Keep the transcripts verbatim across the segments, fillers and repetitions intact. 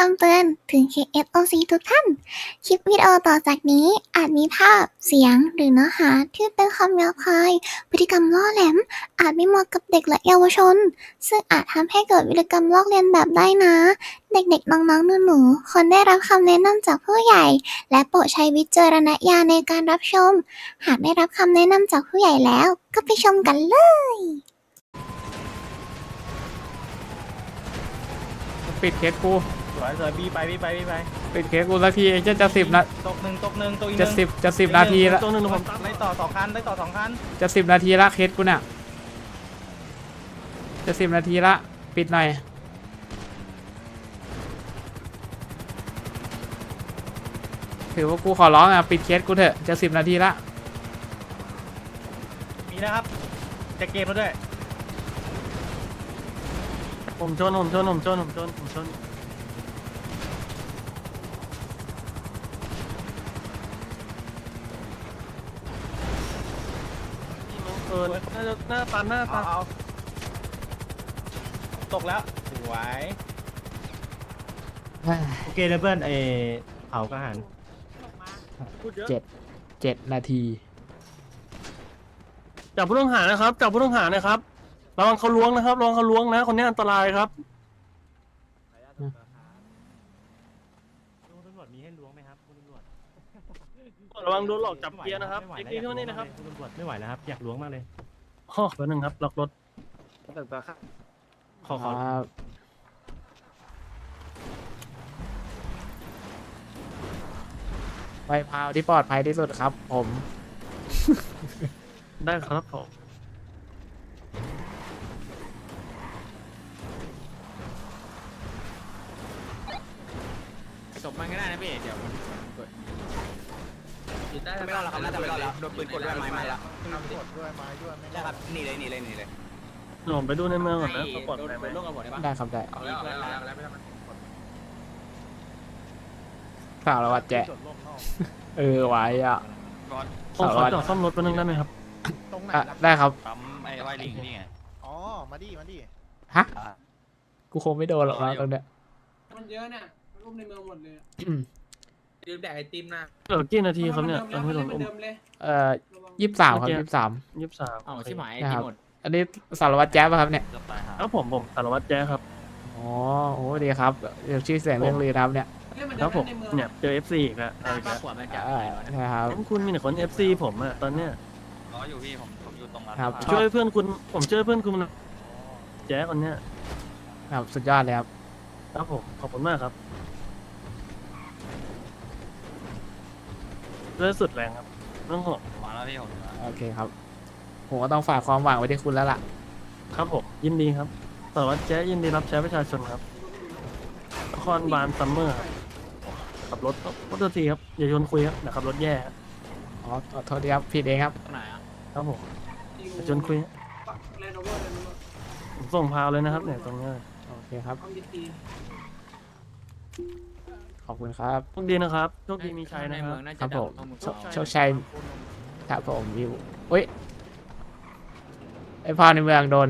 ำเตือนถึง เค เอส โอ ซี ทุกท่าน คลิปวิดีโอต่อจากนี้อาจมีภาพ เสียง หรือเนื้อหาที่เป็นคำหยาบคาย พฤติกรรมล่อแหลม อาจไม่เหมาะกับเด็กและเยาวชน ซึ่งอาจทำให้เกิดวิธีกรรมลอกเลียนแบบได้นะ เด็กๆ น้องๆ หนูๆ ควรได้รับคำแนะนำจากผู้ใหญ่ และโปรดใช้วิจารณญาณในการรับชม หากได้รับคำแนะนำจากผู้ใหญ่แล้ว ก็ไปชมกันเลยปิดเคสกูสวยสวยบีไปบีไปบีไปปิดเคสกูสักทีไอ้เจ้าจะสิบนะตกหนึ่งตกหนึ่งตกอีกหจะนึ่งสิบจะสิบนาทีละตัวหนึ่งผมไล่ต่อสองคันไล่ต่อสองคันจะสิบนาทีละเคสกูเนี่ยจะสิบนาทีละปิดหน่อยถือว่ากูขอร้องอ่ะปิดเคสกูเถอะจะสิบนาทีละมีนะครับจะเกมแล้วด้วยผมชนผมชนผมชนผมชนผมชนเออน่าจะหน้าตันหน้าเอาตันเอาตกแล้วสวยโอเคเลยเพื่อนเอเผากระหันพูดเยอะเจ็ดเจ็ดนาทีจับผู้ต้องหานะครับจับผู้ต้องหานะครับระวังเขาล้วงนะครับระวังเขาล้วงนะคนนี้อันตรายครับลุงตำรวจมีให้ล้วงไหมครับคุณตำรวจระวังโดนหลอกจับเกียร์นะครับเอ็กซ์ดีเท่านี้นะครับคุณตำรวจไม่ไหวแล้วครับอยากล้วงมากเลยข้อแป๊บนึงครับล็อกรถขอขอครับไปพาวที่ปลอดภัยที่สุดครับ ผมได้ครับผมจบมันก็ได้นะพี่เดี๋ยวมันกดไม่รอดแล้วครับน่าจะไม่รอดแล้วโดนปืนกดด้วยไม้มาแล้วกดด้วยไม้ด้วยไม่ได้ครับหนีเลยหนีเลยหนีเลยผมไปดูในเมืองก่อนนะเขาปลอดโดนภัยไหมโดนกับผมได้ปะได้ครับได้เอาแล้วเอาแล้วเอาแล้วไม่ทำมันสาววัดแจ๊ะเออไว้อ่ะผมขอจอดซ่อมรถแป๊บนึงได้ไหมครับตรงไหนอ่ะล่ะได้ครับปั๊มไอ้ไวลิงนี่ไงอ๋อ มาดิ มาดิฮะกูคงไม่โดนหรอกนะตรงเนี้ยมันเยอะเนี่ยมันอุ้มในเมืองหมดเลยดื่มแดกไอติมนะเหลือกี่นาทีครับเนี่ยตอนที่โดนเหมือุ้อนมเดิมเลยเอ่อยี่สิบสามครับยี่สิบสามยี่สิบสามอ๋อชิบหายไอนะคติรัมบหมดอันนี้สารวัตรแจ๊บป่ะครับเนี่ยครับผมผมสารวัตรแจ๊ครับอ๋อโอ้ดีครับเดี๋ยวชื่อเสียงเรื่องลือนะครับเนี่ยเฮ้ยมันคเดิรัมบผมในเมืองเนี่ยเจอ เอฟ ซี อีกแล้วเอาอีกป้าแล้วขวดมันจะอ่านะครับงั้นคุณมีแต่คน เอฟ ซี ผมอะตอนเนี้ยรออยู่พี่ผมผมอยู่ตรงนั้นครับช่วยเพื่อนคุณผมช่วยเพื่อนคุณแจ๊คนเนี้ยครับสุดยอดเลยครับครับผมขอบคุณมากครับด้วยสุดแรงครับเรื่องของมาแล้วพี่ผมโอเคครับผมก็ต้องฝากความหวังไว้ที่คุณแล้วล่ะครับผมยินดีครับสารวัตรแจ๊ยินดีรับใช้ประชาชนครับนครบาลซัมเมอร์ครับขับรถขอโทษทีครับอย่าชวนคุยครับเดี๋ยวขับรถแย่ครับอ๋อขอโทษทีครับผิดเองครับตรงไหนอ่ะครับผมอย่าชวนคุยปักแลนด์โอเวอร์เลยผมส่งพาวเลยนะครับเนี่ยตรงเนี้ยโอเคครับต้องดีตีขอบคุณครับโชคดีนะครับโชคดีมีชัยในนะคเมืรัอบ งน่าครัจะบดัผบมข้อมูลโชคโชคชัยครับผมวิวเฮ้ยไอพาวในเมืองโดน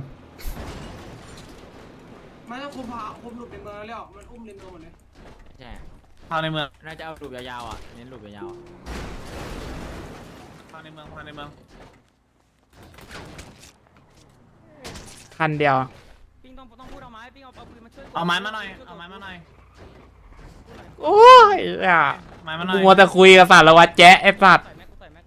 ไม่ต้องคุมพาคุมหลุดในเมืองแล้วมันอุ้มในเมืองหมดเลยใช่พาในเมืองน่าจะเอาลูปยาวๆอ่ะเน้นลูปยาวพาในเมืองพาในเมืองคันเดียวปิ้งต้องต้องพูดเอาไม้ปิ้งเอาเอาปืนมาช่วยเอาไม้มาหน่อยเอาไม้มาหน่อยโอ้ยอ่ะไม้มาหน่กูอยมัวแต่คุยกับสารวัตรแจ๊ะไอ้สัตว์ใส่แม็กกูใส่แม็ก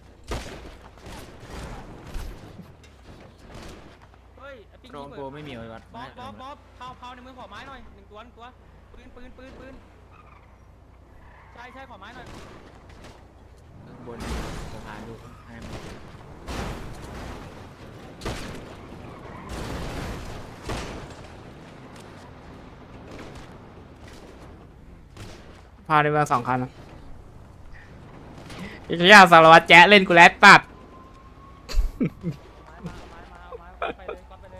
เฮ้ยไอ้ปิ้งโรงกูไม่มีไว้วัดบ๊อบบ๊อบบ๊อบเผาเผาในเมืองขอไม้หน่อยหนึ่งตัวหนึ่งตัวปืนปืนปืนปืนใช่ใช่ขอไม้หน่อยบนสะพานดูให้มันพาวในเมืองสองคันอีกอย่างสารวัตรแจ๊ะเล่นกูแล้วตัดไม้มาไม้มาเอาไม้ไปเลยก๊อปไปเลย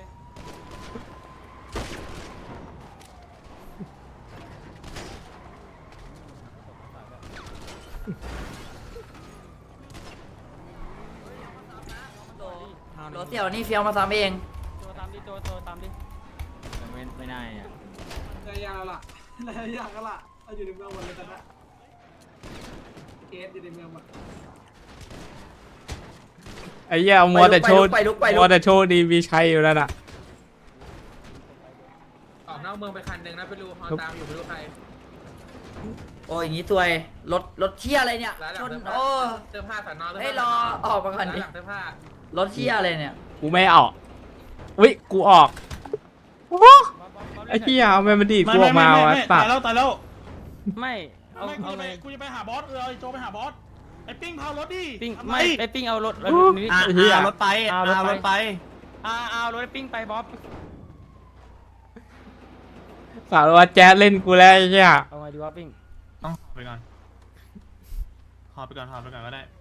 รถเสี่ยวนี่เฟี้ยวมาซ้ำเองโจตามดิโจโจตามดิไม่ไม่ได้อ่ะยาวๆล่ะหลายอย่างก็ล่ะเอาอยู่ในเมืองหมดเลยตอนนี้เคสอยู่ในเมืองหมดไอ้เหี้ยมัวแต่โชว์ไปลุกไปลุกมัวแต่โชว์ดีมีชัยอยู่นั่นน่ะออกนอกเมืองไปคันหนึ่งนะไปดูฮอตามอยู่ไม่รู้ใครโอ้ยอย่างงี้ซวยรถรถเที่ยอะไรเนี่ยร้านหลัชงนเสื้อผ้าโอ้เสื้อผ้าสอนอให้รอออกมาก่อนดิร้านหลังเสื้อผ้ารถเที่ยอะไรเนี่ยกูไม่ออกวิกูออกโอ้โหไอ้เหี้ยเอาแมนมาดีดกูออกมาวะสัตาตยว์แล้วตายแล้วไม่เอาไม่กูเอาจะไปเลยกูจะไปหาบอสเออไอ้โจไปหาบอสไอ้ปิ้งพารถดิปิ้งทำไม่ไอปิ้งเอารถเอารถนี้อ่ะไอ้เหี้ยอ่ะรถไปเอาอ่ะรถไปรถไปอ่าเอารถไอ้ปิ้งไปบ๊อบสารวัตรแจ๊ดเล่นกูแล้วไอ้เหี้ยเอาไงดีวะปิ้งต้องไปก่อนหอบไปก่อนหอบไปก่อนก็ได้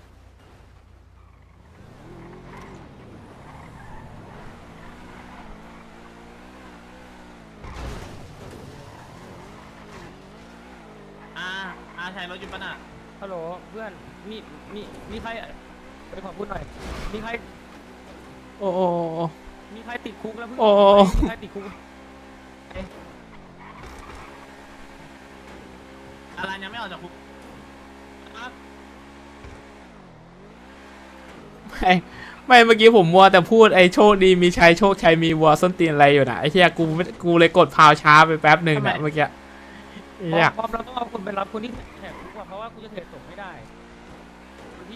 อ่าอาใช้รถอยู่ปะน่ะฮัลโหลเพื่อนมีมีมีใครไปขอพูดหน่อยมีใครโอ้โหมีใครติดคุกแล้วเพื่อนโอ้มีใครติดคุกอะไรยังไม่ออกจากคุกอ่ะไม่ไม่เมื่อกี้ผมมัวแต่พูดไอ้โชคดีมีชัยโชคชัยมีวัวส้นตีนอะไรอยู่นะไอ้เหี้ยกูไม่กูเลยกดพาวช้าไปแป๊บหนึ่งนะเมื่อกี้ไอ้เหี้ยบ๊อบเราต้องเอาคนไปรับคนที่แหกคุกอะเพราะว่ากูจะเทรดส่งไม่ได้